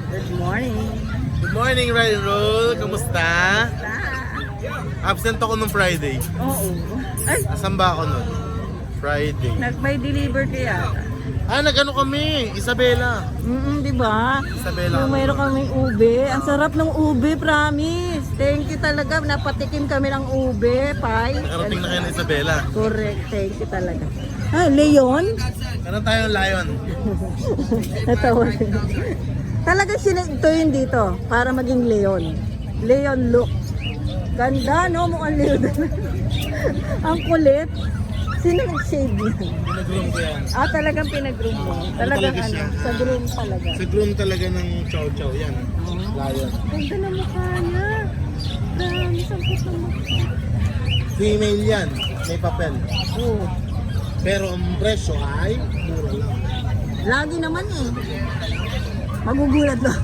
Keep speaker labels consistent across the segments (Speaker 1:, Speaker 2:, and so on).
Speaker 1: Good morning.
Speaker 2: Good morning, Ryan Roll. Kamusta? Absent ako nung Friday.
Speaker 1: Oo. Ay,
Speaker 2: Asan ba ako nun? Friday.
Speaker 1: nag-by deliver kaya.
Speaker 2: Nag-ano kami? Isabela.
Speaker 1: Di ba?
Speaker 2: Isabela.
Speaker 1: Yung mayroon kaming ube. Ang sarap ng ube, promise. Thank you talaga. Napatikim kami ng ube, pie.
Speaker 2: Nakarating na kayo ng Isabela.
Speaker 1: Correct. Thank you talaga. Leon?
Speaker 2: Meron tayong lion.
Speaker 1: Natawa. Talaga sinito yun dito para maging Leon. Leon look. Ganda, no? Mukhang Leon. Ang kulit. Sino nag-shave niya?
Speaker 2: Pinag-groom ko yan.
Speaker 1: Talagang pinag-groom mo. Talagang
Speaker 2: talaga siya?
Speaker 1: sa groom talaga.
Speaker 2: Sa groom talaga ng chow chow yan. Lion.
Speaker 1: Ganda na mukha niya. Dami, sampot ng mukha.
Speaker 2: Female yan. May papel.
Speaker 1: Oo.
Speaker 2: Pero ang presyo ay mura lang.
Speaker 1: Lagi naman eh. Magugulat lang.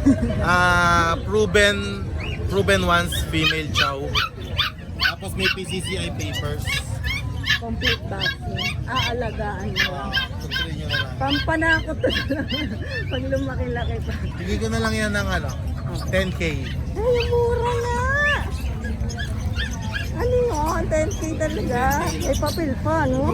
Speaker 2: Proven once female chow. Tapos may PCCI papers.
Speaker 1: Complete vaccine. Aalagaan mo.
Speaker 2: Consider nyo na lang.
Speaker 1: Pampanakot to pag lumaki-laki pa.
Speaker 2: Bigay ko na lang yan ng 10K.
Speaker 1: Ay, mura na! Ano yun? 10K talaga. May papel pa, no?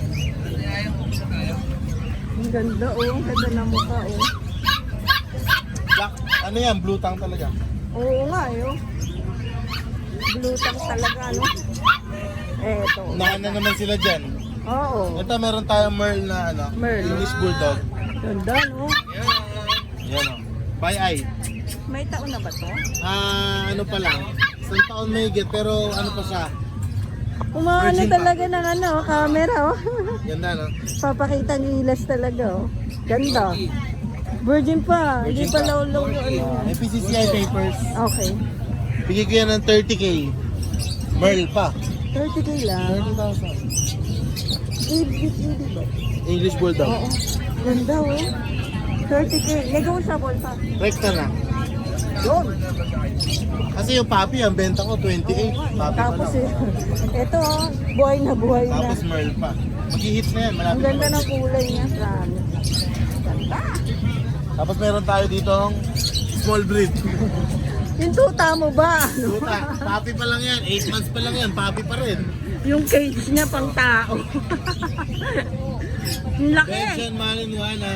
Speaker 1: Ang ganda, oh. Ang ganda na mukha, oh.
Speaker 2: Black, ano yan? Blue tang talaga.
Speaker 1: Oo nga, oh. Blue tank talaga, no? Eto.
Speaker 2: Unahan na naman sila dyan.
Speaker 1: Oo.
Speaker 2: Ito meron tayong Merl na
Speaker 1: Merl.
Speaker 2: English Bulldog.
Speaker 1: Ganda, no?
Speaker 2: Yan o. By eye.
Speaker 1: May taon na ba to?
Speaker 2: Ano pa lang. Isang taon may higit pero ano pa siya.
Speaker 1: Kumaano
Speaker 2: Virgin pa.
Speaker 1: talaga ng camera, oh.
Speaker 2: Ganda no?
Speaker 1: Papakita ng ilas talaga, oh. Ganda. Virgin pa. Hindi
Speaker 2: Virgin
Speaker 1: pa
Speaker 2: pa.
Speaker 1: law
Speaker 2: May PCCI papers.
Speaker 1: Okay.
Speaker 2: Bigay ko yan ng 30K. Merl pa.
Speaker 1: 30K lang.
Speaker 2: 30,000.
Speaker 1: Ibig ba?
Speaker 2: English Bulldog.
Speaker 1: Oo. Ganda, oh. 30K. Negotiable pa.
Speaker 2: Rekta na.
Speaker 1: Yun.
Speaker 2: Kasi yung papi, ang benta ko 28. Papi pa
Speaker 1: Tapos,
Speaker 2: lang.
Speaker 1: ito, oh. Buhay na buhay na.
Speaker 2: Tapos Merl pa. Mag-hit na yan.
Speaker 1: Ang
Speaker 2: Malapit
Speaker 1: ganda
Speaker 2: na.
Speaker 1: ng kulay niya, promise. Ganda.
Speaker 2: Tapos meron tayo dito small breed.
Speaker 1: Yung tuta mo ba?
Speaker 2: Tuta, papi pa lang yan. 8 months pa lang yan. Papi pa rin.
Speaker 1: Yung cage niya pang tao. Ang laki.
Speaker 2: Belgian Malinois na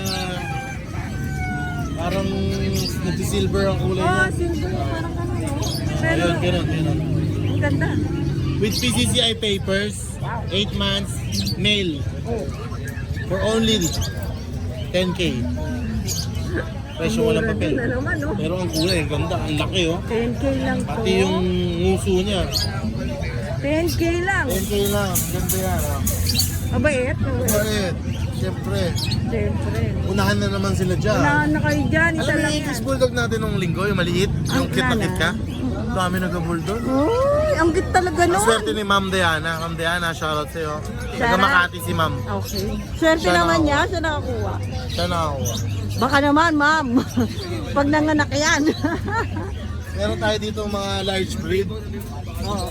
Speaker 2: parang nagsisilver ang kulay
Speaker 1: Oh,
Speaker 2: niya.
Speaker 1: silver. Parang ano, no? Pero,
Speaker 2: Ayun, ganun.
Speaker 1: ang ganda.
Speaker 2: With PCCI papers, 8 months, male.
Speaker 1: Oh.
Speaker 2: For only 10K. Presyo walang
Speaker 1: Mura
Speaker 2: papel.
Speaker 1: din na naman, no?
Speaker 2: Pero ang kulay, ang ganda, ang laki oh.
Speaker 1: 10K lang to.
Speaker 2: Pati yung nguso niya.
Speaker 1: 10K lang.
Speaker 2: 10K lang, ang ganda yan oh.
Speaker 1: Mabait.
Speaker 2: Bakit? Siyempre,
Speaker 1: Siyempre.
Speaker 2: unahan na naman sila dyan.
Speaker 1: Unahan na kayo dyan. Isa
Speaker 2: Alam mo
Speaker 1: lang
Speaker 2: yung
Speaker 1: yan.
Speaker 2: English Bulldog natin nung linggo, yung maliit, yung cute na cute ka? Dami nag-bulldog.
Speaker 1: Uy, ang cute talaga
Speaker 2: Ang
Speaker 1: nun.
Speaker 2: swerte ni Ma'am Diana. Ma'am Diana, shoutout sa'yo. Taga
Speaker 1: Shoutout.
Speaker 2: Makati si Ma'am.
Speaker 1: Okay. Swerte
Speaker 2: Siya
Speaker 1: naman
Speaker 2: nakakuha.
Speaker 1: niya. Siya nakakuha.
Speaker 2: Siya nakakuha.
Speaker 1: Baka naman, ma'am. Pag nanganak yan.
Speaker 2: Meron tayo dito mga large breed.
Speaker 1: Oo.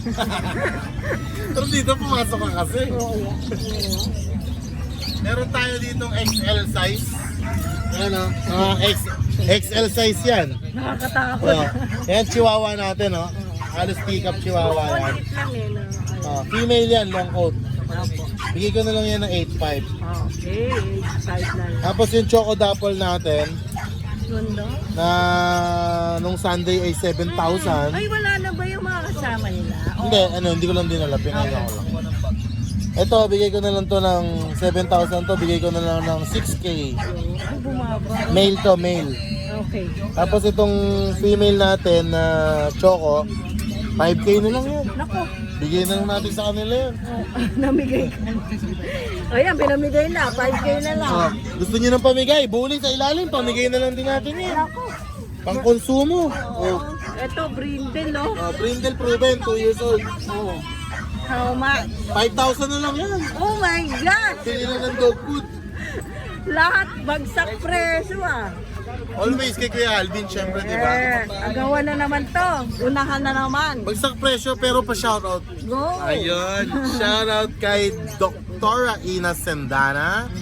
Speaker 2: Pero dito pumasok ka kasi.
Speaker 1: Oo.
Speaker 2: Meron tayo dito XL size. Ano? XL size yan.
Speaker 1: Nakakatakot.
Speaker 2: Oh. Yan, chihuahua natin, oh. Halos pick up chihuahua yan.
Speaker 1: Kulit lang eh. No?
Speaker 2: Female yan, long coat.
Speaker 1: Opo.
Speaker 2: Bigay ko na lang yan ng 8.5.
Speaker 1: Okay. Size na lang.
Speaker 2: Tapos yung choco dapple natin,
Speaker 1: Ganda.
Speaker 2: na nung Sunday ay 7,000.
Speaker 1: Ay, wala na ba yung mga kasama nila?
Speaker 2: Hindi, hindi ko lang dinala, pinaya ko lang. Ito, bigay ko na lang to ng 7,000 to, bigay ko na lang ng 6K.
Speaker 1: Ay, bumaba.
Speaker 2: Male to, male.
Speaker 1: Okay.
Speaker 2: Tapos itong female natin na choco, 5K na lang yan.
Speaker 1: Nako.
Speaker 2: Bigay na lang natin sa kanila yan.
Speaker 1: Namigay ka. Ayan, pinamigay na. 5K na lang.
Speaker 2: Gusto niyo ng pamigay, buli sa ilalim, pamigay na lang din natin yan.
Speaker 1: Nako.
Speaker 2: Pang konsumo.
Speaker 1: Oo. Ito, brindle, no?
Speaker 2: Brindle proven, 2 years old.
Speaker 1: Oo. How much?
Speaker 2: 5,000 na lang yan.
Speaker 1: Oh my God!
Speaker 2: Bili na ng dog food.
Speaker 1: Lahat bagsak presyo, ah.
Speaker 2: Always kay Kuya Alvin, syempre, di ba?
Speaker 1: Agawa na naman to. Unahan na naman.
Speaker 2: Bagsak presyo pero pa shoutout.
Speaker 1: Go!
Speaker 2: Ayun, shoutout kay Dr. Ina Sendana.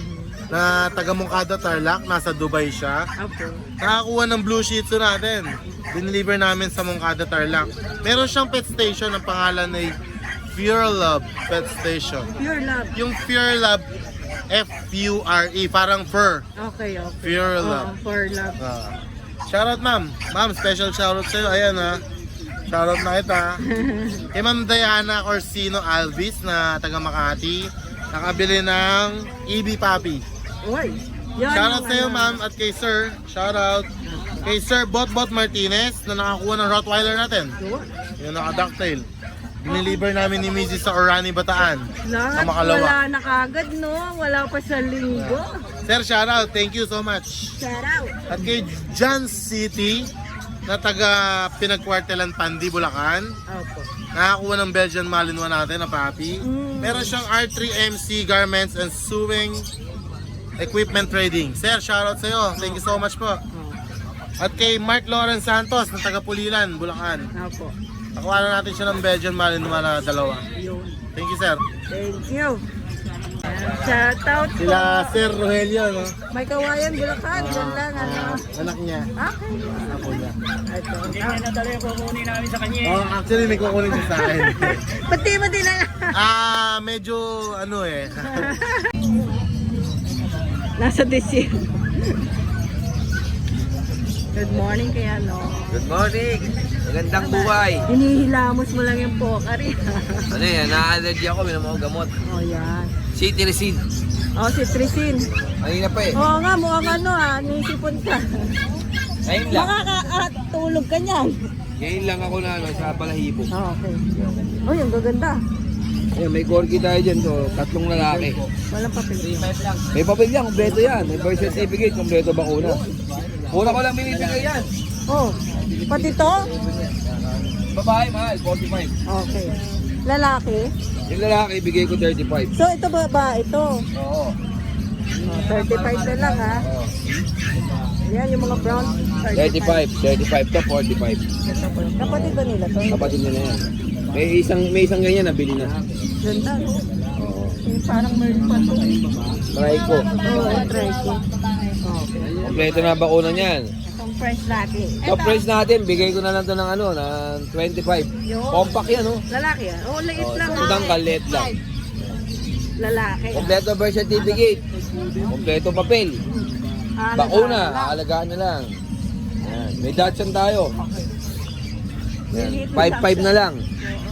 Speaker 2: na taga Moncada Tarlac, nasa Dubai siya.
Speaker 1: Opo.
Speaker 2: Nakakuha ng blue shih tzu natin. Dineliver namin sa Moncada Tarlac. Meron siyang pet station, ang pangalan ay Pure Love Pet Station.
Speaker 1: Pure love.
Speaker 2: Yung Pure Love, F-U-R-E, parang fur.
Speaker 1: Okay, okay.
Speaker 2: Pure love.
Speaker 1: Pure love.
Speaker 2: Shoutout ma'am. Ma'am, special shoutout sa'yo. Ayan ha. Shoutout na kita. Kay Ma'am Diana Corsino Alvis na taga Makati. Nakabili ng EB Puppy.
Speaker 1: Uy. Yan
Speaker 2: Shoutout
Speaker 1: yung
Speaker 2: sa'yo
Speaker 1: ano.
Speaker 2: ma'am at kay Sir. Shoutout. Kay Sir Botbot Martinez na nakakuha ng Rottweiler natin.
Speaker 1: Yun.
Speaker 2: Yung naka-ducktail. Dineliver namin ni Mrs. sa Orani, Bataan.
Speaker 1: Lahat
Speaker 2: Sa Makalawa.
Speaker 1: wala na kagad, no? Wala pa sa linggo.
Speaker 2: Sir, shoutout. Thank you so much.
Speaker 1: Shout out.
Speaker 2: At kay John City na taga Pinagkwartelan Pandi, Bulacan.
Speaker 1: Opo.
Speaker 2: Nakakuha ng Belgian Malinois natin na puppy. Meron siyang R3MC Garments and Sewing Equipment Trading. Sir, shoutout sa iyo. Thank you so much po. At kay Mark Lawrence Santos na taga Pulilan, Bulacan.
Speaker 1: Opo.
Speaker 2: Nakuha na natin siya ng Belgian Malinois na dalawa.
Speaker 1: Yun.
Speaker 2: Thank you, sir.
Speaker 1: Thank you. Shout out po.
Speaker 2: Sila Sir Rogelio, no?
Speaker 1: May kawayan, Bulacan. Yan lang, ano.
Speaker 2: Anak niya.
Speaker 1: Okay.
Speaker 2: Ako niya.
Speaker 1: Ito.
Speaker 3: Nadala yung kukunin namin sa kanya.
Speaker 2: Oh, actually may kukunin siya sa akin.
Speaker 1: Pati na lang.
Speaker 2: Medyo ano eh.
Speaker 1: Nasa DC. Good morning kaya, no?
Speaker 3: Good morning! Magandang buhay!
Speaker 1: Hinihilamos mo lang yung pokari.
Speaker 3: Ano yan, na-allergy ako, minum ako gamot.
Speaker 1: Oh, yan.
Speaker 3: Cetirizine.
Speaker 1: Oh, si Trisin.
Speaker 3: Ayun na pa eh.
Speaker 1: Oo nga, mukhang ano nisipon ka.
Speaker 3: Ngayon lang.
Speaker 1: Makakatulog ka niyan.
Speaker 3: Ngayon lang ako na ano, sa balahibo.
Speaker 1: Oh, okay. Oh, yung gaganda.
Speaker 3: Ayan, may corgi tayo dyan, so tatlong lalaki.
Speaker 1: Walang papel.
Speaker 3: May papel yan, kompleto yan. May birth certificate, kompleto bakuna. Pura ko lang binibigay yan.
Speaker 1: Oh, pati to?
Speaker 3: Babae, mahal, 45.
Speaker 1: Okay. Lalaki?
Speaker 3: Yung lalaki, bigay ko 35.
Speaker 1: So, ito ba? Ito.
Speaker 3: Oo.
Speaker 1: Oh, 35 na lang, ha?
Speaker 3: Oo.
Speaker 1: Yan, yung mga brown.
Speaker 3: 35 to 45.
Speaker 1: Kapatid ba nila to?
Speaker 3: Kapatid nila yan. May isang ganyan nabili na.
Speaker 1: Ganda, no?
Speaker 3: Oo.
Speaker 1: Yung parang meron pa to.
Speaker 3: Try ko.
Speaker 1: Oo, try ko. Okay.
Speaker 3: Kompleto na bakuna niyan.
Speaker 1: Itong price natin.
Speaker 3: So price natin, bigay ko na lang to ng ano, ng 25.
Speaker 1: Yun.
Speaker 3: Compact yan, oh.
Speaker 1: Lalaki, ha? Oo, liit lang, ha?
Speaker 3: Sundang kalit lang.
Speaker 1: Lalaki, ha?
Speaker 3: Kompleto birth certificate. Kompleto papel. Bakuna,
Speaker 1: Lalaki.
Speaker 3: aalagaan na lang. Yan. May Dachshund tayo. Yan. 5-5 na lang.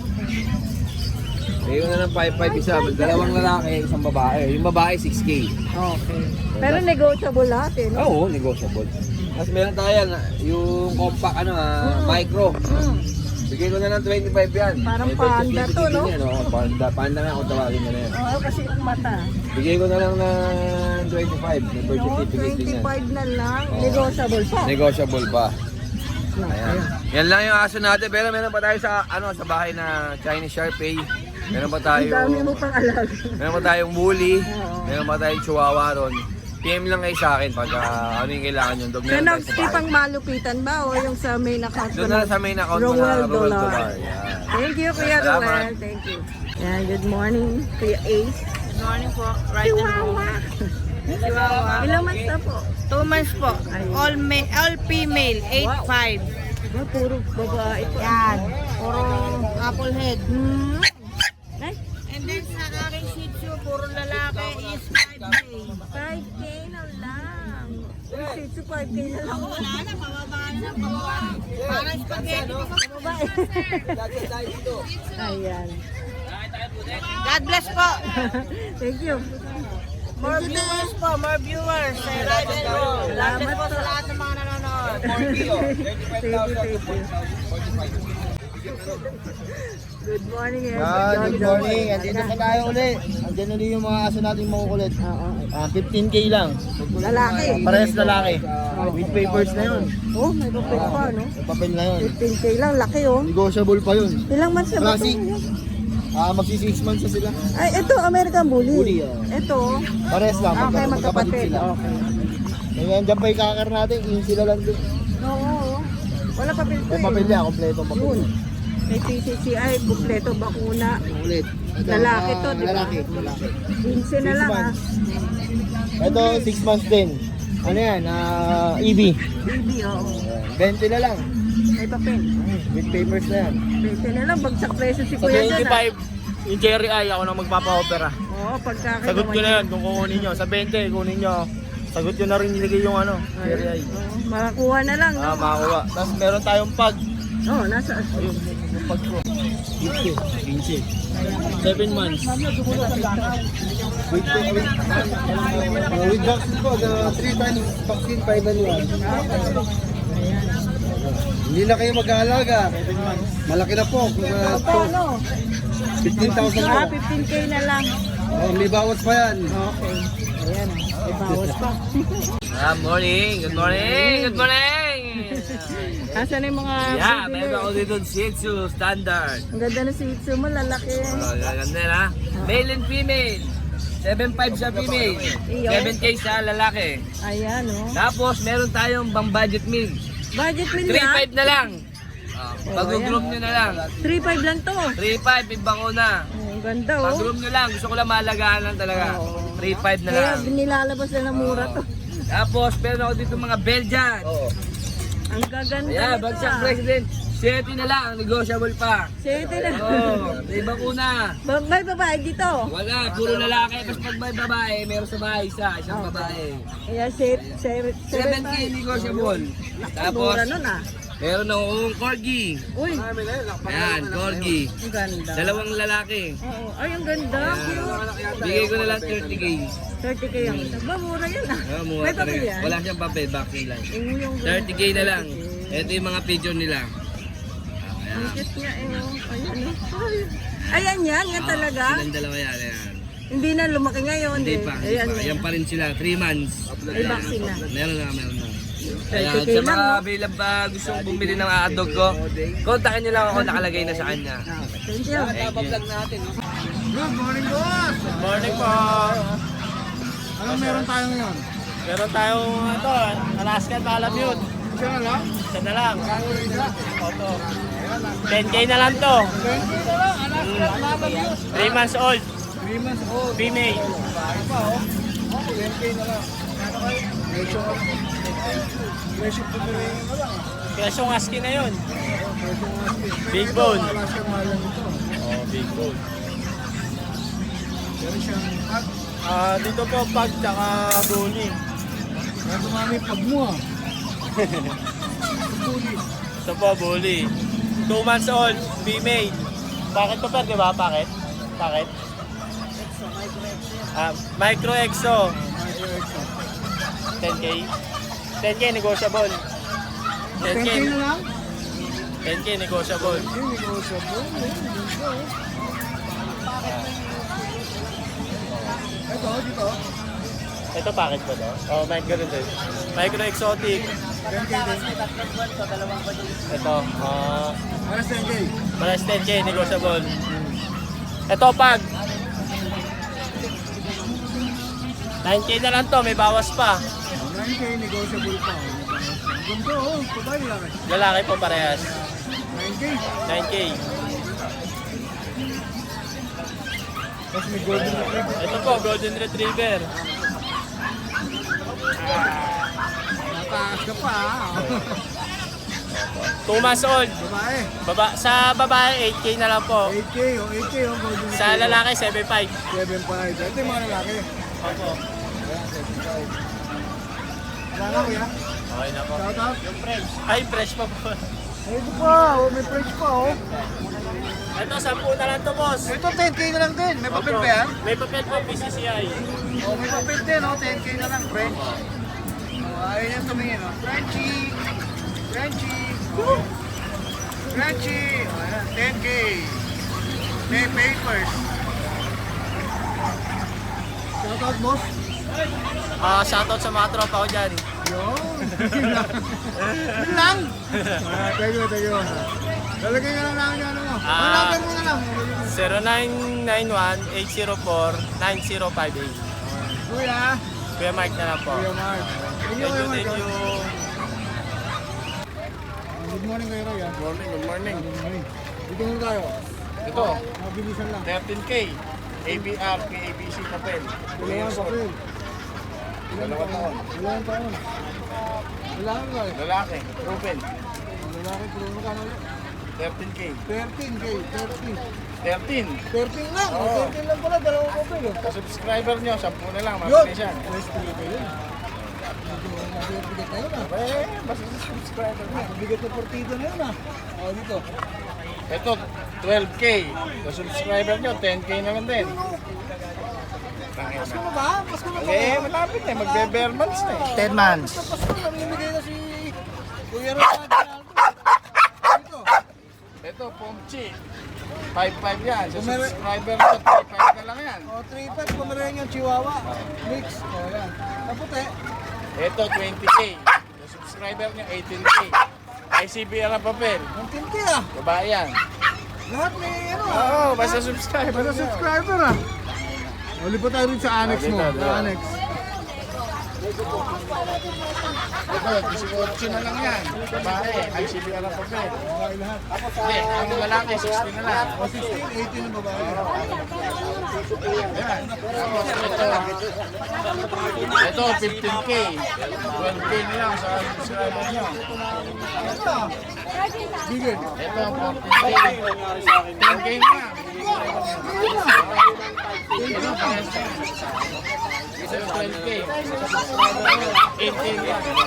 Speaker 3: Bigay ko na ng 5-5 isa. Dalawang lalaki, isang babae. Yung babae, 6K.
Speaker 1: Okay. Pero negotiable lahat, eh, no?
Speaker 3: Oo, negotiable. Tapos meron tayo yan, yung compact, micro. Bigay ko na ng 25 yan.
Speaker 1: Parang
Speaker 3: May birth
Speaker 1: panda to,
Speaker 3: certificate
Speaker 1: no?
Speaker 3: din yan, oh. Panda nga kung tawagin mo na yan.
Speaker 1: Oo, kasi yung mata.
Speaker 3: Bigay ko na lang ng 25. May birth
Speaker 1: Oo,
Speaker 3: certificate din yan.
Speaker 1: 25 na lang.
Speaker 3: Oo.
Speaker 1: Negotiable pa.
Speaker 3: Negotiable pa.
Speaker 1: Ayan.
Speaker 3: Ayan. Yan lang yung aso natin. Pero meron pa tayo sa sa bahay na Chinese Shar-Pei. Meron pa tayo.
Speaker 1: Ang dami mo pang alaga.
Speaker 3: Meron pa tayong bully.
Speaker 1: Oo.
Speaker 3: Meron pa tayong chihuahua ron. PM lang kayo sa akin pag ano yung kailangan yung dog. Meron tayo sa
Speaker 1: Nag-skip ang
Speaker 3: bahay.
Speaker 1: malupitan ba o yung sa main account?
Speaker 3: Doon na sa main account mo na
Speaker 1: Roel
Speaker 3: Roel
Speaker 1: Dolar.
Speaker 3: Dolar. Yan.
Speaker 1: Thank you, Kuya
Speaker 3: Salamat.
Speaker 1: Roel. Thank you. Yan, good morning, Kuya Ace.
Speaker 4: Good morning po. Right
Speaker 1: Chihuahua.
Speaker 4: Chihuahua.
Speaker 1: Ilang months na po?
Speaker 4: 2 months po. All female, 8'5".
Speaker 1: Oh, puro babae po.
Speaker 4: Yan. Puro apple head.
Speaker 1: Ay,
Speaker 4: And then sa aking Shih Tzu, puro lalaki is 5K.
Speaker 1: 5K na lang. Uy, Shih Tzu, 5K na lang.
Speaker 4: Wala na, pababa na, pababa. Parang spaghetti.
Speaker 1: Babae. Ayan.
Speaker 4: God bless po.
Speaker 1: Thank you.
Speaker 4: More viewers po, more viewers. Sa Ride and Roll. God bless po sa lahat ng mga nanonood.
Speaker 1: Thank you, thank you. Good morning, everyone.
Speaker 5: Good morning. Andito na tayo ulit. Andyan ulit yung mga aso natin makukulit.
Speaker 1: Oo.
Speaker 5: 15K lang.
Speaker 1: Lalaki.
Speaker 5: Parehas lalaki. With papers na yun.
Speaker 1: Oh, may papel pa, no?
Speaker 5: May papel na yun.
Speaker 1: 15K lang, laki oh.
Speaker 5: Negotiable pa yun.
Speaker 1: Ilang months na ba ito?
Speaker 5: Classic. Magsi 6 months na sila.
Speaker 1: Ay, ito, American Bully.
Speaker 5: Bully, oh.
Speaker 1: Ito,
Speaker 5: Parehas lang.
Speaker 1: okay,
Speaker 5: magkapatid
Speaker 1: magkapatid.
Speaker 5: sila.
Speaker 1: Okay.
Speaker 5: Ngayon, dyan pa yung kakar natin. Yung sila lang din.
Speaker 1: Oo, wala papel to
Speaker 5: May papel
Speaker 1: eh.
Speaker 5: yan. Kompleto papel.
Speaker 1: Yun. May PCCI, kumpleto bakuna.
Speaker 5: Ulit.
Speaker 1: Lalaki to, di ba?
Speaker 5: Lalaki. Lalaki.
Speaker 1: 15 na
Speaker 5: 6
Speaker 1: lang ah.
Speaker 5: months. Ito, 6 months din. Ano yan? EV.
Speaker 1: Baby, oo.
Speaker 5: 20 na lang.
Speaker 1: May papel.
Speaker 5: With papers na yan.
Speaker 1: 20 na lang, bagsak presyo si
Speaker 6: Sa
Speaker 1: Kuya dyan,
Speaker 6: 25, yung Jerry Eye, ako nang magpapa-opera.
Speaker 1: Oo, pagka
Speaker 6: Sagot ko na yan kung kukunin nyo. Sa 20, kunin nyo. Sagot ko na rin nilagay yung ano, Jerry Eye.
Speaker 1: Oo, makakuha na lang, no?
Speaker 6: Makakuha. Tapos meron tayong pag.
Speaker 1: Oo, nasa
Speaker 6: Ayun, yung pag ko. 15. 7 months.
Speaker 5: With vaccine po, the 3 times vaccine, 5 and 1. Hindi na kayo mag-aalaga. Malaki na po.
Speaker 1: Paano?
Speaker 5: 15,000 po.
Speaker 1: 15K na lang.
Speaker 5: Oh, may bawas pa yan.
Speaker 1: Okay. Ayan, may bawas pa.
Speaker 3: Morning! Good morning! Good morning!
Speaker 1: Asan yung mga
Speaker 3: Yeah,
Speaker 1: bibili?
Speaker 3: meron ako dito Shih Tzu Standard.
Speaker 1: Ang ganda ng Shih Tzu mo, lalaki.
Speaker 3: Oh, ganda na. Male and female. 7.5 sa female. 7K sa lalaki.
Speaker 1: Ayan, oh.
Speaker 3: Tapos meron tayong bang budget meal.
Speaker 1: Budget meal yan?
Speaker 3: 3.5 na lang. Pag-groom nyo na lang.
Speaker 1: 3.5 lang to.
Speaker 3: 3.5, ibang una.
Speaker 1: Ang ganda, oh.
Speaker 3: Pag-groom nyo lang. Gusto ko lang malagaan lang talaga. 3.5 na
Speaker 1: Kaya
Speaker 3: lang.
Speaker 1: nilalabas na ng mura to.
Speaker 3: Tapos meron ako dito mga Belgian.
Speaker 1: Ang gaganda
Speaker 3: Ayan,
Speaker 1: nito,
Speaker 3: bagsak
Speaker 1: ah.
Speaker 3: president. 7 na lang, negotiable pa.
Speaker 1: Sete na.
Speaker 3: Oh, ibang una.
Speaker 1: May babae dito.
Speaker 3: Wala, puro lalaki. Tapos pag may babae, meron sa bahay isang babae.
Speaker 1: Kaya
Speaker 3: 7K negotiable. Tapos,
Speaker 1: Mura nun, ah.
Speaker 3: meron akong corgi.
Speaker 1: Uy,
Speaker 3: Ayan, corgi.
Speaker 1: ang ganda.
Speaker 3: Dalawang lalaki.
Speaker 1: Oo. Ay, ang ganda. Cute.
Speaker 3: Bigay ko na lang 30K.
Speaker 1: 30K ang isa. Ba, mura yun, ah.
Speaker 3: Mura
Speaker 1: May papel
Speaker 3: talaga.
Speaker 1: yan?
Speaker 3: Wala siyang papel, vaccine lang.
Speaker 1: Yung
Speaker 3: 30K na lang. Ito yung mga pigeon nila.
Speaker 1: Ang cute niya, eh. Oh. Ayan, oh. Ay. Ayan yan, yan talaga.
Speaker 3: Silang dalawa yan. Ayan.
Speaker 1: Hindi na lumaki ngayon.
Speaker 3: Hindi
Speaker 1: eh.
Speaker 3: pa, hindi
Speaker 1: Ayan,
Speaker 3: pa. Yan pa rin sila, 3 months.
Speaker 1: May vaccine na.
Speaker 3: Meron na.
Speaker 1: 30K
Speaker 3: Kaya sa
Speaker 1: lang,
Speaker 3: mga
Speaker 1: no?
Speaker 3: available pa gustong bumili ng hotdog ko, kontakin nyo lang ako, nakalagay na sa kanya.
Speaker 1: Thank you.
Speaker 5: Good morning, boss!
Speaker 6: Good morning po.
Speaker 5: Anong meron tayo ngayon?
Speaker 6: Meron tayong ito, Alaskan Malamute.
Speaker 5: Siya na lang?
Speaker 6: Isa na lang. Oto. 10K na lang to. 3 months old.
Speaker 5: 3 months old.
Speaker 6: Female.
Speaker 5: Pa, oh. 10K na lang. Presyo po na rin na lang.
Speaker 6: Presyong husky na yun. Big bone.
Speaker 5: Alaskan Malam ito.
Speaker 6: Oh, big bone.
Speaker 5: Meron siyang at
Speaker 6: Dito po pag tsaka bully.
Speaker 5: meron dumami pag mo ah.
Speaker 6: Ito po bully. 2 months old, female. Bakit to per, di ba? Bakit? Bakit? Micro Exo. 10K. 10K negotiable.
Speaker 5: 10K na lang?
Speaker 6: 10K negotiable.
Speaker 5: Hindi, negotiable. Ito, dito.
Speaker 6: Ito package ba to? Oh, micro rin din. Micro Exotic.
Speaker 5: 10K din.
Speaker 6: Ito,
Speaker 5: Para 10K.
Speaker 6: malas 10K negotiable. Ito pag 9K na lang to, may bawas pa.
Speaker 5: 9K, negotiable pa. Ganda oh, babae lang.
Speaker 6: Lalaki po parehas.
Speaker 5: 9K.
Speaker 6: 9K.
Speaker 5: Tapos may golden retriever.
Speaker 6: Ito po, Golden Retriever.
Speaker 5: Nataas ka pa ah.
Speaker 6: 2 months old.
Speaker 5: Babae.
Speaker 6: Sa babae, 8K na lang po.
Speaker 5: 8K oh, 8K oh, golden retriever.
Speaker 6: Sa lalaki, 7.5.
Speaker 5: 7.5. Ito yung mga lalaki.
Speaker 6: Opo.
Speaker 5: Ayan, 7.5. Wala na kuya.
Speaker 6: Okay na po.
Speaker 5: Shout out.
Speaker 6: Ay, fresh pa po.
Speaker 5: Ito pa, oh, may price pa oh.
Speaker 6: Ito, 10 na lang to, boss.
Speaker 5: Ito 10K na lang din. May papel ba yan?
Speaker 6: May papel po, PCCI.
Speaker 5: Oh, may papel din oh, 10K na lang, French. Oh, ayun yung tumingin oh. Frenchie. Frenchie. Oh. Frenchie. Oh, ayan, 10K. May papers. Shout out, boss.
Speaker 6: Shoutout sa mga tropa ko dyan.
Speaker 5: Yun. Yun lang. Thank you. Lalagay ka lang namin yung ano mo. Ang number mo na lang.
Speaker 6: 0991-804-9058.
Speaker 5: Kuya.
Speaker 6: Kuya Mike na lang po.
Speaker 5: Kuya Mark. Thank you,
Speaker 6: Thank
Speaker 5: Kuya
Speaker 6: you,
Speaker 5: Mark.
Speaker 6: thank you.
Speaker 5: Good morning, Kuya Roy.
Speaker 6: Good morning.
Speaker 5: Good morning. Dito muna tayo.
Speaker 6: Ito,
Speaker 5: Mabilisan lang.
Speaker 6: 13K. ABR, PABC papel.
Speaker 5: Dalawang papel. Dalawang taon. Lalaki ba?
Speaker 6: Lalaki, proven.
Speaker 5: Lalaki, pero magkano ulit?
Speaker 6: 13K.
Speaker 5: 13K,
Speaker 6: 13.
Speaker 5: 13 lang.
Speaker 6: Oo.
Speaker 5: 13 lang pala, dalawang kopel.
Speaker 6: Sa subscriber nyo, 10 na lang,
Speaker 5: Yun!
Speaker 6: mabili siya.
Speaker 5: Nice to meet you. Bigat na yun ah.
Speaker 6: Eh, basta sa subscriber nyo.
Speaker 5: Bigat na partido na yun ah. O, dito.
Speaker 6: Ito, 12K. Sa subscriber nyo, 10K naman din.
Speaker 5: Pasko na ba? Pasko na ba?
Speaker 6: Eh, malapit na. Magbe-bare months na eh.
Speaker 2: 10 months.
Speaker 5: Sa Pasko, namimigay na si Kuya Rod. Dito.
Speaker 6: Ito, Pomchi. 5-5 yan. Sa
Speaker 5: Kumare-
Speaker 6: subscriber nyo, 3-5 na lang yan.
Speaker 5: O, 3-5, Pomeranian Chihuahua. Mix. O, yan. Kaputi.
Speaker 6: Ito, 20K. Sa subscriber nyo, 18K. ICBR ang papel.
Speaker 5: Ang tinti ah.
Speaker 6: Babae yan.
Speaker 5: Lahat may ano ah.
Speaker 6: Oo, basta subscriber
Speaker 5: Basta
Speaker 6: nyo.
Speaker 5: subscriber ah. O, lipat tayo rin sa annex mo.
Speaker 6: Dito, dito.
Speaker 5: Sa annex.
Speaker 6: Ito, 18 na lang yan. Babae, ICBR ang papel.
Speaker 5: Okay lahat.
Speaker 6: Hindi, ang lalaki, 16 na lang.
Speaker 5: O, 16, 18 ang babae.
Speaker 6: Ayan. Tapos ito 15K. 12K na lang sa subscriber nyo.
Speaker 5: Ito. Bigger.
Speaker 6: Ito 14K. 10K na. Ito 12K. 18K.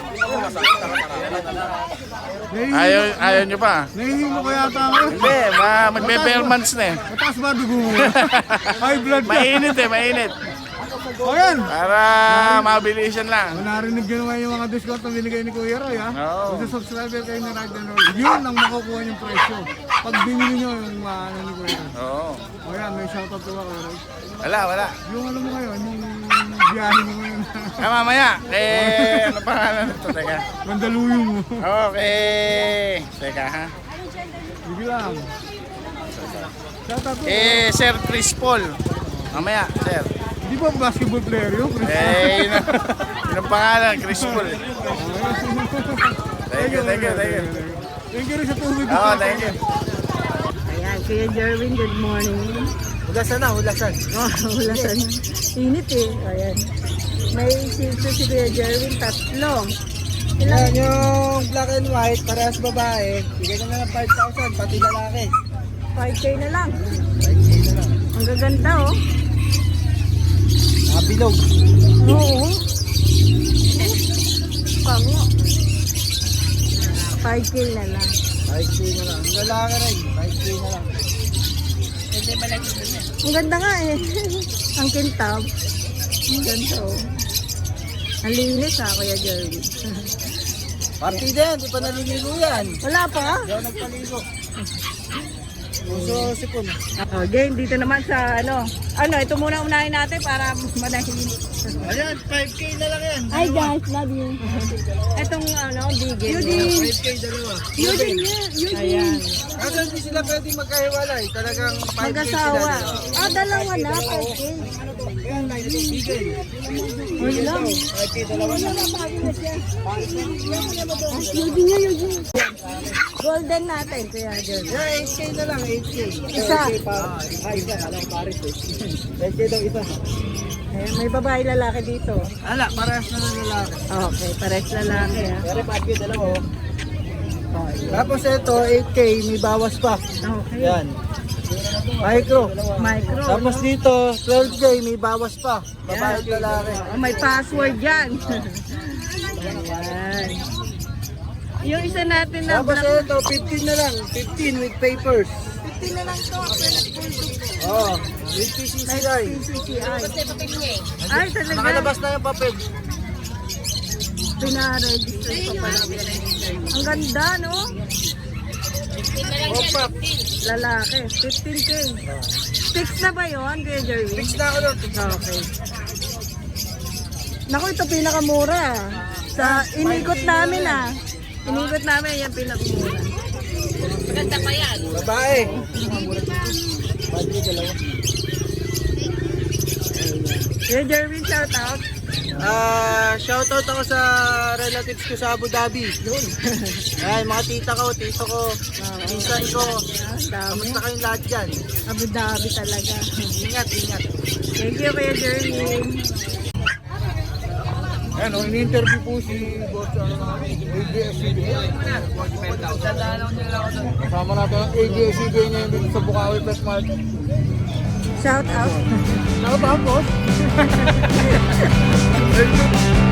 Speaker 6: Ayaw nyo pa?
Speaker 5: Nahihilo ko yata ako.
Speaker 6: Hindi, magbe-bare months na eh.
Speaker 5: Mataas ba dugo mo? High blood ka.
Speaker 6: Mainit eh, mainit.
Speaker 5: O yan.
Speaker 6: Para mabilisan lang.
Speaker 5: Narinig nyo naman yung mga discount na binigay ni Kuya Roy ha?
Speaker 6: Oo.
Speaker 5: Kung sa subscriber kayo na Ride and Roll, yun ang makukuha yung presyo. Pag binili nyo yung ano ni Kuya Roy.
Speaker 6: Oo.
Speaker 5: O yan, may shoutout to ka Kuya Roy.
Speaker 6: Wala.
Speaker 5: Yung ano mo ngayon, yung biyahe mo ngayon.
Speaker 6: Mamaya, ano pangalan nito? Teka.
Speaker 5: Mandaluyong mo.
Speaker 6: Okay. Teka ha.
Speaker 5: Sige lang. Shoutout to.
Speaker 6: Sir Chris Paul. Mamaya, sir.
Speaker 5: Di ba basketball player yun? Chris?
Speaker 6: Yun ang pangalan, Chris Paul. Thank you.
Speaker 5: Thank you rin sa tubig.
Speaker 6: Oo, thank you.
Speaker 1: Ayan, Kuya Jerwin, good morning.
Speaker 5: Hulasan na, hulasan.
Speaker 1: Oh, hulasan. Init eh. Ayan. May silso si Kuya Jerwin, 3.
Speaker 5: Yan yung black and white, parehas babae. Bigay ko na ng 5,000, pati lalaki.
Speaker 1: 5K na lang.
Speaker 5: 5K na lang.
Speaker 1: Ang gaganda oh.
Speaker 5: Bilog.
Speaker 1: Oo. Pango. 5K na lang.
Speaker 5: 5K na lang. Ang lalaki rin, 5K na lang.
Speaker 1: Ang ganda nga eh. Ang kintab. Ang ganda oh. Ang linis ha, Kuya Jerwin.
Speaker 5: Partida yan, di pa naliligo yan.
Speaker 1: Wala pa?
Speaker 5: Hindi ako nagpaligo. Puso sipon.
Speaker 1: Okay, dito naman sa ano. Ito muna unahin natin para manahin.
Speaker 5: Ayan, 5K na lang yan.
Speaker 1: Hi guys, love you. Itong bigel. Eugene.
Speaker 5: 5K dalawa.
Speaker 1: Eugene. Ayan.
Speaker 5: Kasi hindi sila pwede magkahiwalay. Talagang 5K sila.
Speaker 1: Mag-asawa. Dalawa na, 5K.
Speaker 5: Ayan, bigay.
Speaker 1: Uy lang.
Speaker 5: 5K dalawa na.
Speaker 1: Eugene. Golden natin, Kuya Jerwin.
Speaker 5: Yan, 8K na lang, 8K.
Speaker 1: Isa.
Speaker 5: 8K pa. Isa, alam pares eh. 8K daw isa.
Speaker 1: May babae lalaki dito.
Speaker 5: Ala, parehas na ng lalaki.
Speaker 1: Okay, pares lalaki ha.
Speaker 5: Pero 5K dalawa oh. Tapos ito, 8K, may bawas pa.
Speaker 1: Okay.
Speaker 5: Yan. Micro.
Speaker 1: Micro.
Speaker 5: Tapos dito, 12K, may bawas pa. Babae at lalaki.
Speaker 1: May password yan. Ayan. Yung isa natin na
Speaker 5: Tapos
Speaker 1: black.
Speaker 5: ito, 15 na lang. 15 with papers.
Speaker 1: 15 na lang to.
Speaker 5: Oo. With PCCI.
Speaker 1: PCCI. Ay, talaga.
Speaker 5: Nakalabas na yung papel.
Speaker 1: Pina-register pa pala. Ang ganda, no?
Speaker 5: Opa.
Speaker 1: Lalaki. 15K. Fix na ba yun, Kuya Jerwin?
Speaker 5: Fix na ako doon.
Speaker 1: Okay. Naku, ito pinakamura. Sa inikot namin Inikot namin yan pinakamura.
Speaker 5: Babae.
Speaker 1: Kuya Jerwin, shout out.
Speaker 5: Shoutout ako sa relatives ko sa Abu Dhabi. Yun. Ay, mga tita ko, tito ko, pinsan ko.
Speaker 1: Dami.
Speaker 5: Kamusta kayong lahat dyan?
Speaker 1: Abu Dhabi talaga.
Speaker 5: Ingat, ingat.
Speaker 1: Thank you, Kuya Jerwin.
Speaker 5: Ayan, in-interview po si Boss ABS-CBN. Kasama natin ang ABS-CBN ngayon dito sa Bukawi Pet Market.
Speaker 1: Shout out.
Speaker 5: Shout out, boss!